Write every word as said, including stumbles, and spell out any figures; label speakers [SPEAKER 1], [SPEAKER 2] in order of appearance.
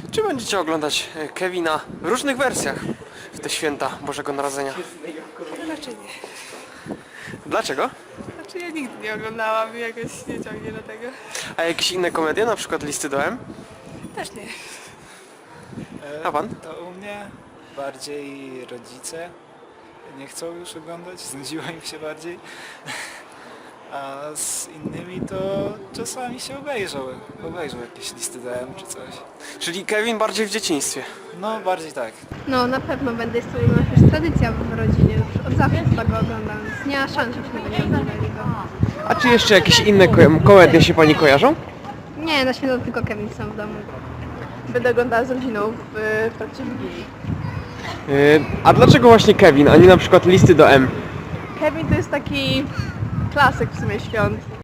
[SPEAKER 1] Czy będziecie oglądać e, Kevina w różnych wersjach w te święta Bożego Narodzenia?
[SPEAKER 2] Raczej nie.
[SPEAKER 1] Dlaczego?
[SPEAKER 2] Znaczy ja nigdy nie oglądałam i jakoś nie ciągnie do tego.
[SPEAKER 1] A jakieś inne komedie, na przykład Listy do M?
[SPEAKER 2] Też nie.
[SPEAKER 1] A pan?
[SPEAKER 3] To u mnie bardziej rodzice nie chcą już oglądać, znudziło im się bardziej. A z innymi to czasami się obejrzą, obejrzą jakieś listy D M czy coś.
[SPEAKER 1] Czyli Kevin bardziej w dzieciństwie.
[SPEAKER 3] No bardziej tak.
[SPEAKER 4] No na pewno będę, jest to u nas już tradycja w rodzinie, już od zawsze tego oglądam, więc nie ma szans, żebyśmy nie oglądali go.
[SPEAKER 1] A czy jeszcze jakieś inne ko- komedie się pani kojarzą?
[SPEAKER 4] Nie, na święto tylko Kevin sam w domu.
[SPEAKER 2] Będę oglądała z rodziną w, w trakcie Wigilii.
[SPEAKER 1] Yy, a dlaczego właśnie Kevin, a nie na przykład Listy do M?
[SPEAKER 2] Kevin to jest taki klasyk w sumie świąt.